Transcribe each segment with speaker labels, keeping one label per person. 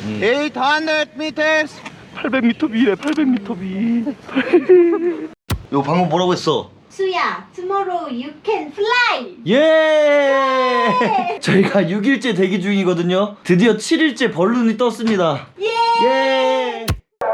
Speaker 1: 800 meters.
Speaker 2: 800m 비래 800m 비. 이거 방금 뭐라고 했어?
Speaker 3: 수야, tomorrow you can fly.
Speaker 2: 예! 저희가 6일째 대기 중이거든요. 드디어 7일째 벌룬이 떴습니다. 예!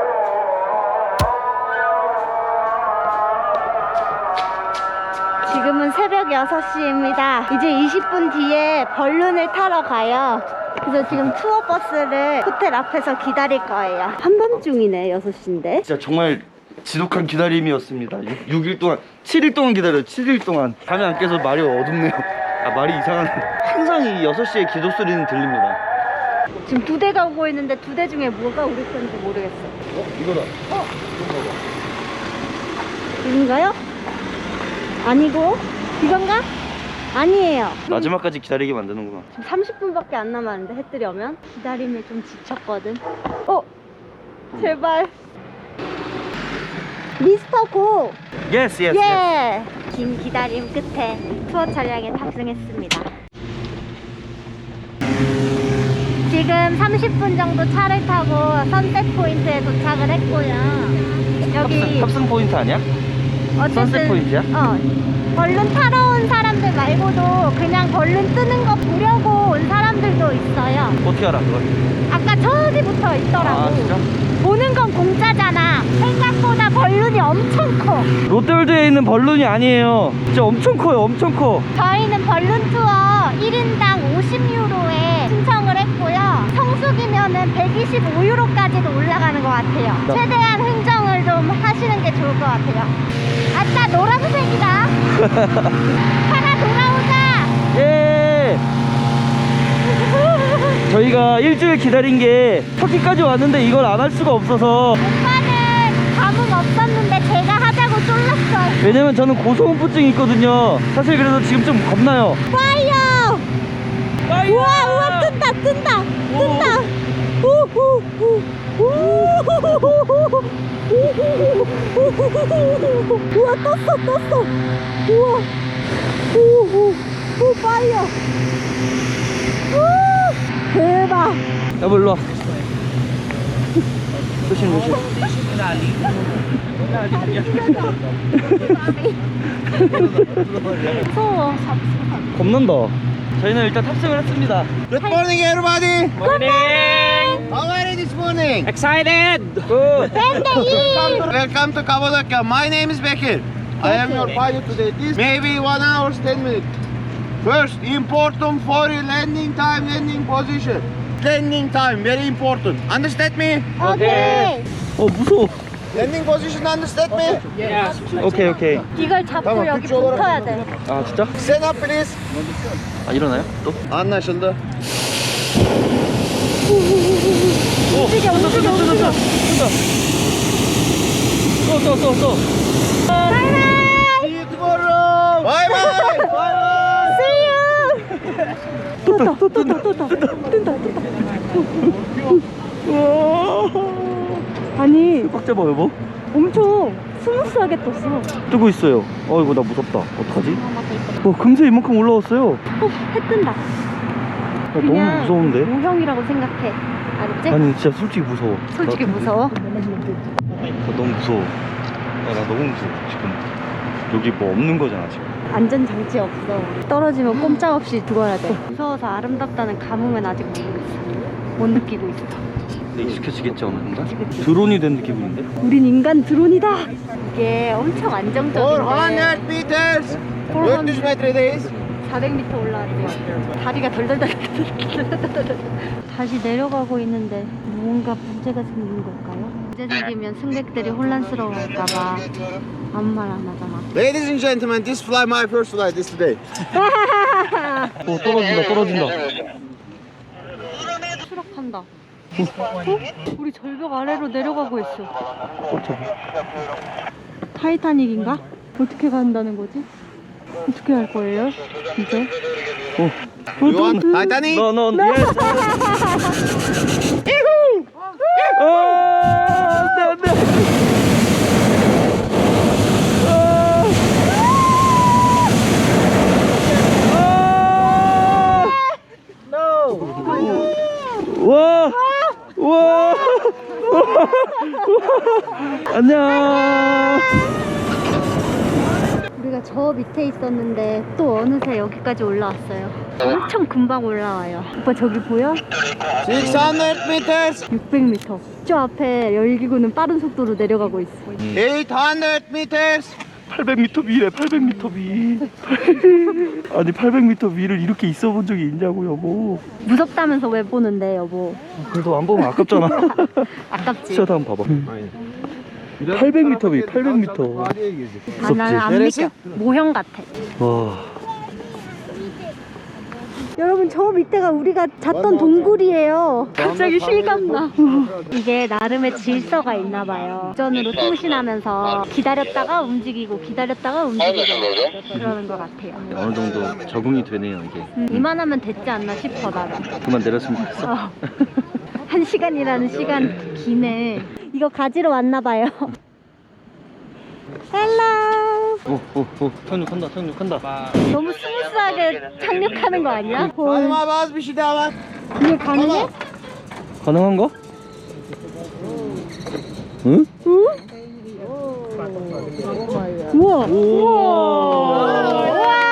Speaker 3: 지금은 새벽 6시입니다. 이제 20분 뒤에 벌룬을 타러 가요. 그래서 지금 투어 버스를 호텔 앞에서 기다릴 거예요. 한밤중이네, 6시인데.
Speaker 2: 진짜 정말 지독한 기다림이었습니다. 6일 동안, 7일 동안 기다려요. 7일 동안. 잠이 안 깨서 말이 어둡네요. 아, 말이 이상하네. 항상 이 6시에 기도 소리는 들립니다.
Speaker 3: 지금 2대가 오고 있는데 2대 중에 뭐가 우리 건지 모르겠어.
Speaker 2: 이거다.
Speaker 3: 이건가요? 아니고 이건가? 아니에요.
Speaker 2: 마지막까지 기다리게 만드는구나.
Speaker 3: 지금 30분밖에 안 남았는데 해 뜨려면 기다림에 좀 지쳤거든. 제발 미스터 고!
Speaker 2: 예스, 예스,
Speaker 3: 예! 긴 기다림 끝에 투어 차량에 탑승했습니다. 지금 30분 정도 차를 타고 선셋 포인트에 도착을 했고요. 여기
Speaker 2: 탑승 포인트 아니야? 선셋 포인트야?
Speaker 3: 벌룬 타러 온 사람들 말고도 그냥 벌룬 뜨는 거 보려고 온 사람들도 있어요.
Speaker 2: 어떻게 알아, 그걸?
Speaker 3: 아까 저기부터 있더라고.
Speaker 2: 아, 진짜?
Speaker 3: 보는 건 공짜잖아. 생각보다 벌룬이 엄청 커.
Speaker 2: 롯데월드에 있는 벌룬이 아니에요. 진짜 엄청 커요, 엄청 커.
Speaker 3: 저희는 벌룬 투어 1인당 50유로에 신청을 했고요. 성수기면은 125유로까지도 올라가는 것 같아요. 최대한 흥정을 좀 하시는 게 좋을 것 같아요. 아싸, 노란색이다. 하나 돌아오자.
Speaker 2: 예! 저희가 일주일 기다린 게 터키까지 왔는데 이걸 안 할 수가 없어서.
Speaker 3: 오빠는 감흥 없었는데 제가 하자고 쫄랐어요.
Speaker 2: 왜냐면 저는 고소공포증이 있거든요. 사실 그래서 지금 좀 겁나요.
Speaker 3: 파이어! 우와, 우와, 뜬다. 우와, 떴어. 우와. 오, 파이어. 대박.
Speaker 2: 여보, 일로 와. 조심.
Speaker 3: 무서워.
Speaker 2: 겁난다. 저희는 일단 탑승을 했습니다.
Speaker 1: Good morning, everybody.
Speaker 2: morning.
Speaker 1: How are you this morning?
Speaker 2: Excited. Good.
Speaker 1: Welcome to Kapadokya. My name is Bekir. I am your pilot today. This maybe 1 hour 10 minutes. First, important for you landing time, landing position. Landing time, very important. Understand me?
Speaker 3: 오케이.
Speaker 2: 무서워.
Speaker 1: Landing position, understand me?
Speaker 2: 오케이.
Speaker 3: 이걸 잡고
Speaker 1: Tamam,
Speaker 3: 여기
Speaker 1: Türkçe olarak
Speaker 3: 붙어야 돼.
Speaker 2: 아, 진짜?
Speaker 1: Stand up, please.
Speaker 2: 아, 일어나요? 또?
Speaker 1: Anlaşıldı.
Speaker 3: 움직여.
Speaker 2: 또.
Speaker 3: 바이바이.
Speaker 1: See you tomorrow. Bye bye.
Speaker 3: See you. 뜬다. 아니,
Speaker 2: 꽉 잡아, 여보.
Speaker 3: 엄청 스무스하게 떴어.
Speaker 2: 뜨고 있어요. 이거 나 무섭다. 어떡하지? 금세 이만큼 올라왔어요.
Speaker 3: 해 뜬다.
Speaker 2: 너무 무서운데?
Speaker 3: 모형이라고 생각해. 알았지?
Speaker 2: 아니, 진짜 솔직히 무서워.
Speaker 3: 솔직히 무서워?
Speaker 2: 나 너무 무서워. 나 너무 무서워, 지금. 여기 뭐 없는 거잖아, 지금.
Speaker 3: 안전장치 없어. 떨어지면 꼼짝없이 죽어야 돼. 무서워서 아름답다는 감흥은 아직 모르겠어. 못 느끼고 있어.
Speaker 2: 근데 익숙해지겠지, 어느 순간?
Speaker 3: 그치.
Speaker 2: 드론이 된 기분인데?
Speaker 3: 우린 인간 드론이다. 이게 엄청 안정적인데
Speaker 1: 400 meters. 400 metredeyiz.
Speaker 3: 400m 올라왔대요. 다리가 덜덜덜 다시 내려가고 있는데 뭔가 문제가 생긴 걸까요? 문제 생기면 승객들이 혼란스러워할까봐 아무 말 안 하잖아.
Speaker 1: Ladies and gentlemen, this flight, my first flight is today.
Speaker 2: 떨어진다.
Speaker 3: 추락한다. 우리 절벽 아래로 내려가고 있어. 타이타닉인가? 어떻게 간다는 거지? 어떻게 할 거예요? 이제?
Speaker 1: You want Titanic?
Speaker 2: 너, yes. 안돼. 와. 안녕.
Speaker 3: 우리가 저 밑에 있었는데 또 어느새 여기까지 올라왔어요. 엄청 금방 올라와요. 오빠 저기 보여?
Speaker 1: 600 meters.
Speaker 3: 600m. 저 앞에 열기구는 빠른 속도로 내려가고 있어.
Speaker 1: 800 meters.
Speaker 2: 800m 위래 800m 위. 아니 800m 위를 이렇게 있어 본 적이 있냐고 여보.
Speaker 3: 무섭다면서 왜 보는데 여보?
Speaker 2: 그래도 안 보면 아깝잖아.
Speaker 3: 아깝지?
Speaker 2: 시야도 한번 봐봐. 800m 위 800m.
Speaker 3: 아, 나는 안
Speaker 1: 내렸어?
Speaker 3: 믿겨. 모형 같아.
Speaker 2: 와.
Speaker 3: 여러분 저 밑에가 우리가 잤던 동굴이에요. 갑자기 실감나. 이게 나름의 질서가 있나 봐요. 전으로 통신하면서 기다렸다가 움직이고 기다렸다가 움직이고 그러는 것 같아요.
Speaker 2: 어느 정도 적응이 되네요 이게.
Speaker 3: 이만하면 됐지 않나 싶어 나는.
Speaker 2: 그만 내렸으면 좋겠어.
Speaker 3: 어. 1시간이라는 시간 기네. 이거 가지러 왔나 봐요. 헬로.
Speaker 2: 오 착륙한다 착륙한다.
Speaker 3: 너무 스무스하게 착륙하는 거 아니야?
Speaker 1: Hanıma bazı bir şey daha var.
Speaker 3: 이게 가능해?
Speaker 2: 가능한 거? 응?
Speaker 3: 응? 우와. 우와.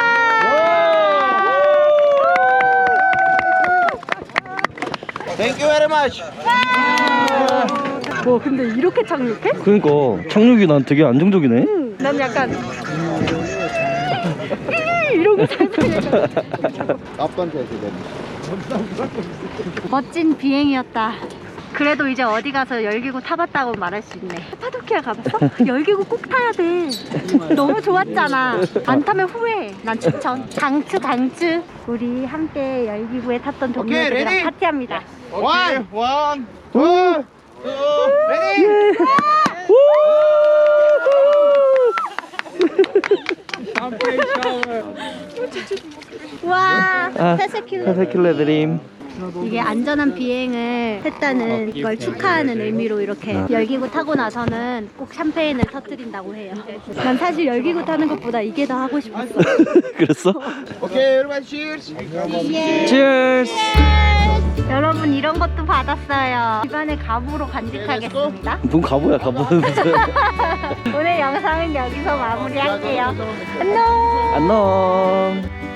Speaker 1: Thank you very much.
Speaker 3: 와 근데 이렇게 착륙해?
Speaker 2: 그러니까 착륙이 난 되게 안정적이네.
Speaker 3: 난 약간 이러고 상상해.
Speaker 1: Kaptan test edelim.
Speaker 3: 멋진 비행이었다. 그래도 이제 어디 가서 열기구 타봤다고 말할 수 있네. 카파도키아 가봤어? 열기구 꼭 타야 돼. 너무 좋았잖아. 안 타면 후회. 난 추천. 강추. 우리 함께 열기구에 탔던
Speaker 1: 오케이,
Speaker 3: 동료들이랑
Speaker 1: 레디?
Speaker 3: 파티합니다.
Speaker 1: One, two, ready?
Speaker 3: 와,
Speaker 2: 아,
Speaker 3: 페세킬러.
Speaker 2: 페세킬러 드림.
Speaker 3: 이게 안전한 비행을 했다는 걸 축하하는 의미로 이렇게 열기구 타고 나서는 꼭 샴페인을 터뜨린다고 해요. 난 사실 열기구 타는 것보다 이게 더 하고 싶었어.
Speaker 2: 그랬어?
Speaker 1: Okay, everybody cheers.
Speaker 2: Cheers.
Speaker 3: 여러분 이런 것도 받았어요. 집안의 가부로 간직하겠습니다.
Speaker 2: 뭔 가보야 가보는 무슨.
Speaker 3: 오늘 영상은 여기서 마무리할게요. 안녕.
Speaker 2: 안녕.